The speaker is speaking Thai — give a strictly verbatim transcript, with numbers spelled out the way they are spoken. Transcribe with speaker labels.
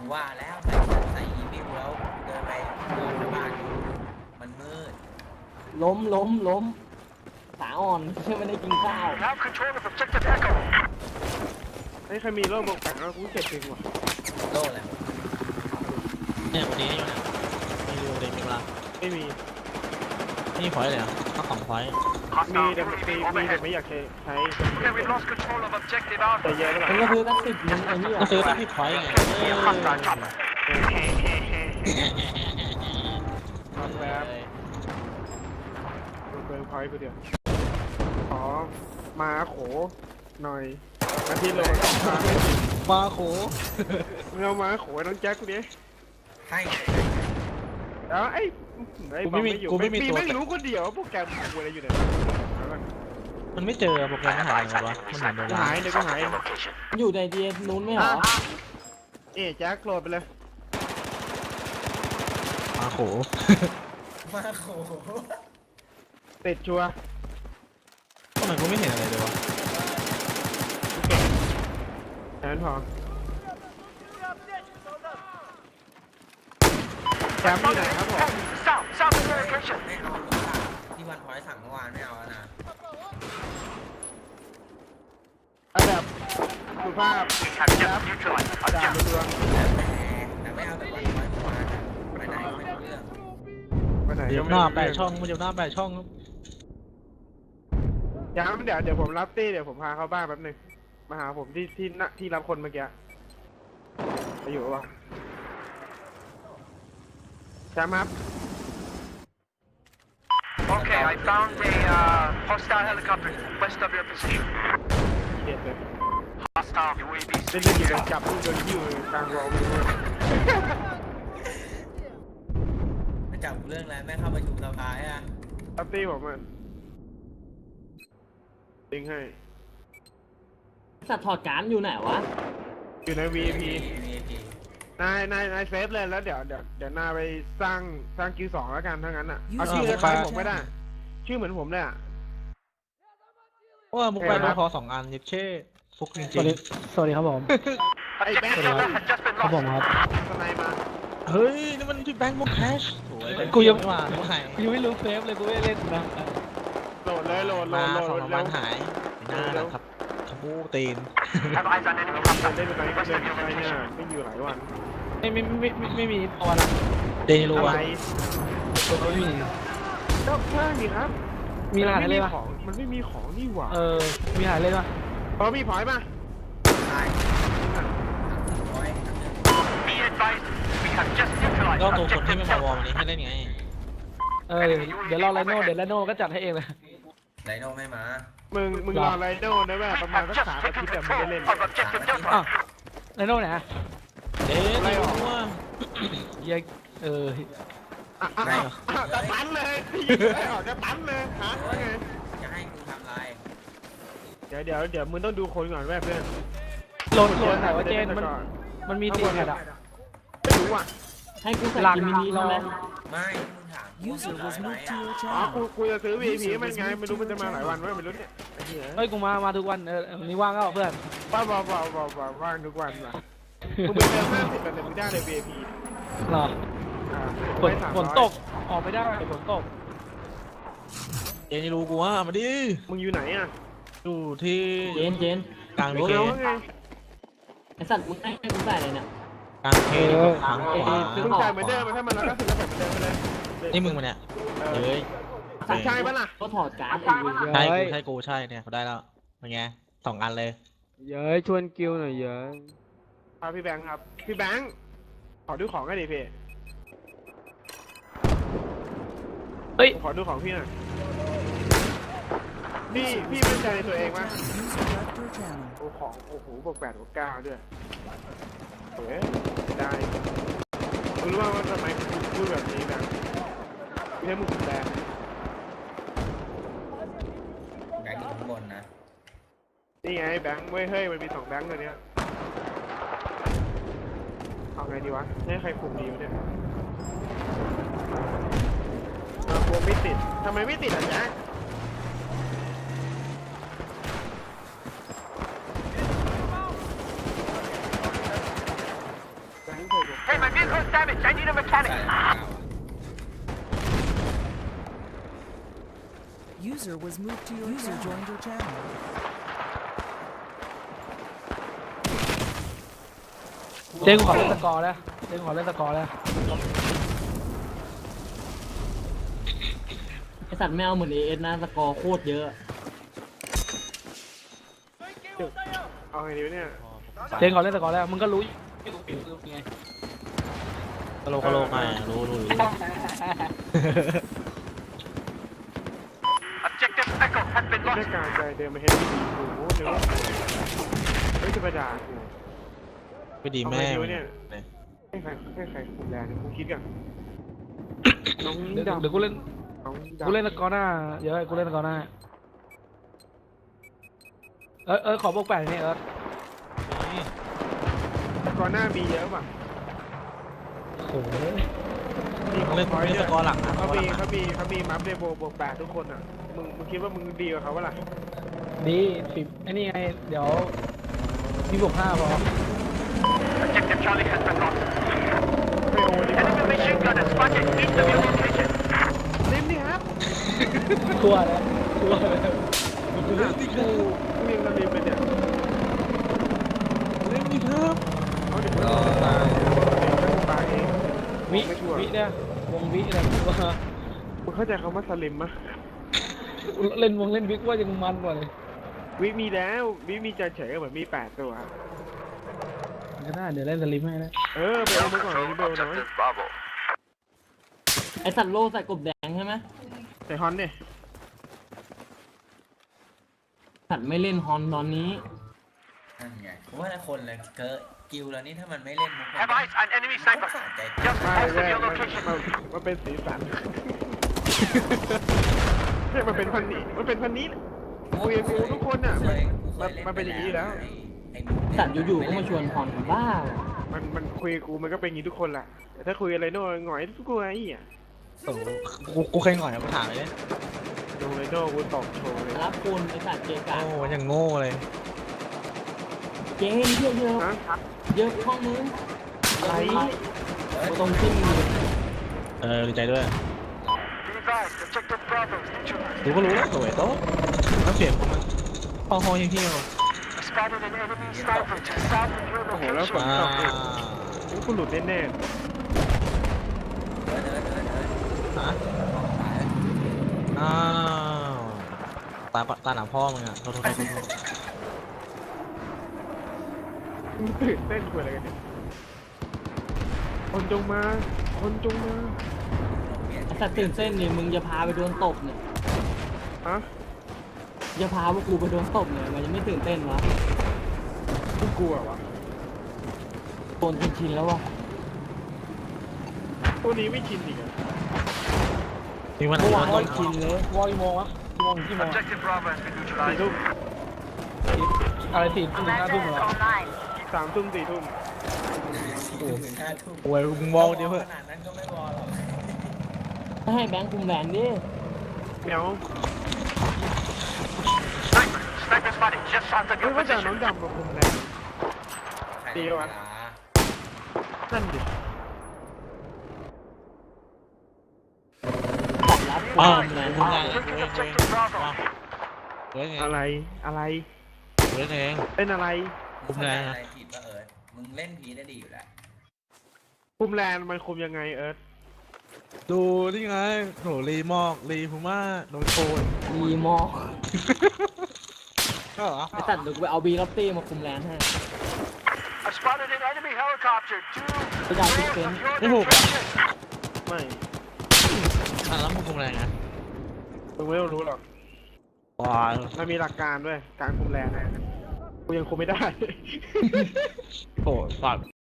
Speaker 1: ว่าแล้วใส่ใส่อีวิวแล้วเดินไปเดินไปบ้านมันมืด
Speaker 2: ล้มล้มล้มสาอ่อนเชื่อไม่ได้กินข้าว
Speaker 3: ไอ้ใครมีโล่บอกแต่งแล้วกูเจ็บจริงว่ะ
Speaker 1: โล่แหละ
Speaker 4: เนี่ยวันนี้อยู่เนี่ยมีดูเลยมีเวลา
Speaker 3: ไม่มี
Speaker 4: นี่พอยเลยอ่ะข้าวของพอย
Speaker 3: มีแต่มีมีแต่ไม่อยากใช้ใช้แต่เยอะไปหน่อย
Speaker 2: มันก็คือตั้งสิบนึงไอ้นี่
Speaker 4: ก็ซื้อตั้งที่พอยไง
Speaker 3: ทำแบบเบิร์นพอยต์กูเดียวขอมาโขหน่อยอาทิตย์ลง
Speaker 4: มาโข
Speaker 3: มึงเอามาโขน้องแจ็คกูดิ
Speaker 1: ให้
Speaker 3: แล้วไอ้
Speaker 4: กูไม่มีกูไม่มีตัว
Speaker 3: ไม่รู้คนเดียวโปรแกรมกูอะไรอยู่เนี่ย
Speaker 4: มันไม่เจอโปรแกรมมันหายเลยวะมันหายไปแล้ว
Speaker 3: หายเดี๋ยวก็หาย
Speaker 2: อยู่ในดีเอนู้นไม่เหรอ
Speaker 3: เอ๊ะแจ็คโหลดไปเลย
Speaker 4: มาโข
Speaker 1: มาโข
Speaker 3: ติดชัวร์
Speaker 4: ทำไมกูไม่เห็นอะไรเลยวะ
Speaker 3: แค่นั้นพอแชมป์ที่ไหนครับผม
Speaker 1: ไม่เอาที่วันพอยสั่งเมื่อวานไม่เอาแล้วนะ
Speaker 3: อันดับสุภาพครับดาบดวง
Speaker 1: แล้วแต่แต่ไม่เอาแต่วันพอยเมื่อวานไปไหนไม่รู้เรื่อง
Speaker 3: ไปไหน
Speaker 4: เดี๋ยวหน้าแปดช่องมันเดี๋ยวหน้าแปดช่อง
Speaker 3: ย้ำเดี๋ยวเดี๋ยวผมรับตี้เดี๋ยวผมพาเข้าบ้านแป๊บนึงมาหาผมที่ที่ที่รับคนเมื่อกี้ไปอยู่วะแชมป์ครับ
Speaker 5: Okay, I found a uh, hostile helicopter west of your position.
Speaker 3: เด็ดเลย
Speaker 5: Hostile U A V.
Speaker 3: เล่นเล่นอยู่กันจับผู้โดนยิ้วกลางวอลเลย
Speaker 1: ไม่จับเรื่องแล้วแม่เข้าประชุมสภาอ่ะ
Speaker 3: รับตี้ผมอ่ะติงให้
Speaker 2: สัตว์ถอดการอยู่ไหนวะ
Speaker 3: อยู่ใน วี ไอ พี นายนายนายเซฟเลยแล้วเดี๋ยวเดี๋ยวเดี๋ยวนายไปสร้างสร้างคิวสองแล้วกันทั้งนั้นอ่ะเอาชื่อคล้ายผมไม่ได้ชื่อเหมือนผมเลยอ่ะ
Speaker 4: ว่ามุกไปโดนคอสองอันเย็บเช่ฟุกจริงจริง
Speaker 2: สวัสดีครับผม
Speaker 3: ไอ้แบงค์
Speaker 2: ครับผมครับ
Speaker 3: สไนมา
Speaker 4: เฮ้ยนี่มันที่แบงค์มุกแคชกูยังไม่มากูหาย
Speaker 2: กูไม่รู้เฟฟเลยกูไม่เล่นนะ
Speaker 3: โหลดเลยโหลดโหล
Speaker 4: มา
Speaker 3: ดโหล
Speaker 4: สอง
Speaker 3: ด
Speaker 4: วันหายหน้าแล้วครับขบูตีน
Speaker 5: Have eyes on enemy
Speaker 3: เล่น
Speaker 5: contact.
Speaker 3: ไปเล่นไปเนี่ยไม่อยู่หลายวัน
Speaker 2: ไม่ไม่ไม่ไม่ไม่มีพอละ
Speaker 4: เดนิโล
Speaker 3: อะไร
Speaker 4: อะ
Speaker 2: ไม่มี
Speaker 3: ก็ใช่ครับ
Speaker 2: มีรหัสเลยป่ะ
Speaker 3: มันไม่มีของนี่หว่า
Speaker 2: เออมีรหัสเลยป่ะ
Speaker 3: พอมีพอยป่ะ
Speaker 1: ใช่
Speaker 5: Be advised, we have just neutralized
Speaker 4: ก็ตัวคนที่
Speaker 5: objective
Speaker 4: ไม่มาวอร์มวันนี้ให้เล่นไง
Speaker 2: เออเดี๋ยวรอไลโน่เดี๋ยวไลโน่ก็จัดให้เองเลย
Speaker 1: ไดโน่ไม่มา
Speaker 3: มึงมึงรอไรโน่นะแม่ประมาณสักสามอาทิตย์แต่มึงได้เล่น
Speaker 2: อ้าวไลโน่ไหน
Speaker 4: เอ๊ะไม่รู้ว่า
Speaker 2: ยังเออ
Speaker 3: จะตันเลยจะตันเลยฮะไง
Speaker 1: จะให้กูทำไร
Speaker 3: เดี๋ยวเดี๋ยวเดี๋ยวมึงต้องดูคนก่อนแม่เพื่อน
Speaker 2: โหลดโหลดไหนว่าเจนมันมันมีตีแพดอ่ะ
Speaker 3: ไม่รู้อ่ะ
Speaker 2: ให้กูใส่กิมินิแล้วไหม
Speaker 1: ไม่มึงถาม
Speaker 3: อ๋อกูกูจะซื้อ วี ไอ พี มันไงไม่รู้มันจะมาหลายวันไหมไม่รู้เนี่ย
Speaker 2: เฮ้ยกูมามาทุกวันเออนี่ว่างก็เพื่อน
Speaker 3: ว้าวว้าวว้าวว้าวว่างทุกวันว่ะมึงเป็นเรื่องห้าสิบแต่มึงได้เลย วี ไอ พี
Speaker 2: หรอฝนฝนตกออกไม่ได้ฝนตก
Speaker 4: เจนรู้กูว่ามาดิ
Speaker 3: มึงอยู่ไหนอ่ะ
Speaker 4: อยู่ที่
Speaker 2: เจนเจน
Speaker 4: กลางวีเค
Speaker 2: ไอสัตว์กูให้กูใส่เลยเนี่ย
Speaker 4: กลางเคทางขวา
Speaker 3: มึงใส่เหมือนเดิมถ้ามันแล้วก็ถึงจะใส่เหมือนเดิมไปเลย
Speaker 4: นี่มึงมาเนี่ยเฮ้ย
Speaker 3: ใช่ปะล่ะ
Speaker 2: ก็ถอดการ์ด
Speaker 4: ใช่กูใช่กูใช่เนี่ยเขาได้แล้วเป็นไงสองอันเลย
Speaker 2: เย้ยชวนกิวหน่อยเย้ย
Speaker 3: พาพี่แบงค์ครับพี่แบงค์ขอดูของกันดิพี่
Speaker 2: เฮ้ย
Speaker 3: ขอดูของพี่หน่อยพี่พี่มั่นใจในตัวเองมั้ยโอ้ของโอ้โหบวกแปดบวกเก้าด้วยเฮ้ยได้คุณรู้ว่าทำไมคุณพูดแบบนี้นะไม่ใช่มึงแบงค์
Speaker 1: แบงค์อยู่ข้างบนนะ
Speaker 3: นี่ไงแบงค์เว้ยเฮ้ยมันมีสองแบงค์ตัวเนี้ยเอาไงดีวะให้ใครคุมดีวะเนี่ยกลัวไม่ติดทำไมไม่ติดอ่ะแจ๊คแบแบงค์ใส่บวก
Speaker 5: Hey, my vehicle's damaged. I need a
Speaker 1: ใส่
Speaker 5: mechanic.
Speaker 1: เก้าอ่ะ
Speaker 6: User was moved to your User joined your channel.
Speaker 2: เจ๊กูขอเล่นสกอร์แล้วเจ๊กูขอเล่นสกอร์แล้ว
Speaker 7: ไอสัตว์ไม่เอาเหมือนเอเอสนะสกอร์โคตรเยอะ
Speaker 3: เอาไงดีวะเนี่ย
Speaker 2: เจ๊กูขอเล่นสกอร์แล้วมึงก็รู้อยู่ไง
Speaker 4: กะโหลกกะโหลกไงรู้รู้รู้
Speaker 5: Objective Echo has been
Speaker 3: หน้า
Speaker 5: lost.
Speaker 3: การใจเดินมาเห็นโอ้โหเดี๋ยวเฮ้ยจะไปด่ากู
Speaker 4: ไม่ดีแม่
Speaker 3: เอาไงดีวะเนี่ย ให้ใครให้ใครคุมแลนด์กูคิดกันน้อง
Speaker 2: เดี๋ยว
Speaker 3: ดำ
Speaker 2: เดี๋ยวกูเล่น
Speaker 3: น้อง
Speaker 2: กูเล่น
Speaker 3: ดำ
Speaker 2: สกอร์หน้าเยอะกูเล่นสกอร์หน้าเออเออขอบวกแปดนี่เออ
Speaker 3: ก่อนหน้ามีเยอะป่ะ
Speaker 2: โอ้โห
Speaker 3: มีของ
Speaker 4: เล่น
Speaker 3: พอย
Speaker 4: เล่น
Speaker 3: ต์
Speaker 4: สกอร์หลังนะ
Speaker 3: เขา
Speaker 4: สกอร์ห
Speaker 3: มี
Speaker 4: ลัง
Speaker 3: เขามีเขามีมัฟเดโบบวกแปดทุกคนอ่ะมึงมึงคิดว่ามึงดีกว่าเขาปะล่ะ
Speaker 2: ดีสิบไอ้นี่ไงเดี๋ยวมีบวกห้าพอ
Speaker 5: Objective Charlie has been lost.
Speaker 3: ไม่โอ้ดิ
Speaker 5: Enemy machine gunner spotted east of your location.
Speaker 3: เล่นดิครับ
Speaker 2: ตัวแล้วตัวแล้ว
Speaker 3: กูกูยังระลิมเลยเนี่ย
Speaker 4: เล่นดีครับ
Speaker 3: เอาเดี๋ยวมึงตายมึงตายเอง
Speaker 2: วิ
Speaker 3: ไม่ชัวร์
Speaker 2: วิเนี่ยวงวิอะไรว่า
Speaker 3: มึงเข้าใจคำว่าสลิมมะ
Speaker 2: เล่นวงเล่นวิกว่ายังมันกว่าเลย
Speaker 3: วิมีแล้ววิมีใจเฉยเหมือนมีแปดตัว
Speaker 2: มันก็ได้เดี๋ยวเล่นสลิมให้นะ
Speaker 3: เออไปเอามาก่อนนี่เบลน้อย
Speaker 5: Bravo.
Speaker 7: ไอสัตว์โลใส่กบแดงใช่ไหม
Speaker 3: ใส่ฮอนเนี่ย
Speaker 7: สัตว์ไม่เล่นฮอนตอนนี้
Speaker 1: นั่นไงผมว่าคนเลยเกิร์กิลแล้วนี่ถ้ามันไม่เล่นมุก
Speaker 5: Have eyes on enemy
Speaker 1: มัน
Speaker 5: sniper.
Speaker 1: สะใจ
Speaker 5: Just
Speaker 3: ไม่
Speaker 5: east
Speaker 3: ไม่
Speaker 5: of your
Speaker 3: มัน
Speaker 5: location.
Speaker 3: มันมันเป็นสีสันเนี่ยมันเป็นพันนี้มันเป็นพันนี้คุยกับกูทุกคนอ่ะมันมันมันเป็นอย่างนี้อยู่แล้ว
Speaker 1: ไอ้มุกเนี่ย
Speaker 7: สัตว์อยู่ๆก็มาชวนฮอนบ้าเหรอ
Speaker 3: มันมันคุยกับกูมันก็เป็นอย่างนี้ทุกคนแหละแต่ถ้าคุยอะไรโน่หงอยทุกคนไอ้เหี้ย
Speaker 4: โอ้โหกูกูเคยหน่อยมาถามเลย
Speaker 3: ดูเลยโน่กูตอบโชว์เลย
Speaker 7: รับคุณไอสัตว์เกกะ
Speaker 4: โอ้ยังโง่เลย
Speaker 7: เกมเยอะเยอะ
Speaker 3: ฮะ
Speaker 7: เยอะห้องนึง
Speaker 3: อะไร
Speaker 7: กูต้องขึ้น
Speaker 4: เออดีใจด้วย
Speaker 5: Be advised, Objective Bravo is neutralized.
Speaker 4: ดูก็รู้แล้วสวยโต๊ะน้ำเสียงผมมันพอหอเที่ยว
Speaker 5: Spotted an enemy sniper to south of your
Speaker 3: โอ้โหแล้วฝ
Speaker 5: location.
Speaker 3: น
Speaker 4: อ่า
Speaker 3: ตกอีกนี่กูหลุดแน่
Speaker 1: เดินเดินเดินเดิน
Speaker 4: ฮะ
Speaker 1: ตายแล้ว
Speaker 4: อ้าวตาปะตาหนาพ่อมึงอ่ะโทษโทษโทษโทษ
Speaker 3: ๆมึงตื่นเต้นคุยอะไรกันเนี่ยคนจงมา คนจงมา
Speaker 7: ไอสัตว์ตื่นเต้นนี่มึงจะพาไปโดนตบเนี่ย
Speaker 3: ฮะ
Speaker 7: จะพาพวกกูไปโดนตบเนี่ยมันยังไม่ตื่นเต้นวะ
Speaker 3: กูกลัววะ
Speaker 7: โดนจนชินแล้ววะ
Speaker 3: พวกนี้ไม่ชินอีกอะ
Speaker 4: นี่มัน
Speaker 2: เมื่อวาน
Speaker 4: ต้
Speaker 2: ก็
Speaker 4: น
Speaker 2: กินเลยวอลกี่โมงวะกี่โมงกี่โมง
Speaker 5: Objective Bravo has been
Speaker 3: สี่
Speaker 5: neutralized.
Speaker 3: ทุ่ม
Speaker 2: อะไรสี่ทุ่มถึงห้าทุ่มเหรอ
Speaker 3: สามทุ่มสี่ทุ่ม
Speaker 1: ถึงห้าทุ่ม
Speaker 4: โอ้ยมึงวอลเดียวเพื่อ
Speaker 1: ขนาดนั้นก็ไม่วอลหรอก
Speaker 7: ถ้าให้แบงค์คุมแลนดิ
Speaker 3: เมียว
Speaker 5: Sniper. Sniper spotted just south of
Speaker 3: เฮ้ย
Speaker 5: your
Speaker 3: ว่าจะน้อง
Speaker 5: position.
Speaker 3: ดำมาคุมแรง
Speaker 1: ใคร
Speaker 3: ดี
Speaker 1: เว
Speaker 3: วะ
Speaker 1: ลา
Speaker 3: นั่นดิ
Speaker 7: สัตว์รับ
Speaker 4: อ้าว
Speaker 7: คุมแลน
Speaker 4: มึงไงเว้ย
Speaker 5: Bringing
Speaker 4: เว้ย
Speaker 5: Objective Bravo.
Speaker 4: เว้ยไง
Speaker 3: อะไร อะไร
Speaker 4: เว้ยเอง
Speaker 3: เป็นอะไร
Speaker 1: คุมแรงอะไรผิดวะเอิร์ธมึงเล่นพีได้ดีอยู่แล้ว
Speaker 3: คุมแลนมันคุมยังไงเอิร์ธ
Speaker 4: ดูนี่ไงโหรีมอกรีพูม่าโดนโคน
Speaker 7: มีมอก
Speaker 4: ก็เหรอ
Speaker 7: ไอสัตว์เดี๋ยวกูไปเอาบีล็อบตี้มาคุมแลนให้
Speaker 5: I spotted an enemy helicopter due
Speaker 7: Cái đào
Speaker 5: north
Speaker 7: kìa.
Speaker 5: of your
Speaker 4: Cái hộp à?
Speaker 5: location.
Speaker 3: ไม่
Speaker 4: อ่ะแล้วมึงคุมอะไรนะ
Speaker 3: มึงไม่ต้องรู้หรอก
Speaker 4: ว้าว
Speaker 3: มันมีหลักการด้วย การคุมแลนกูยังคุมไม่ได้
Speaker 4: โหสัตว์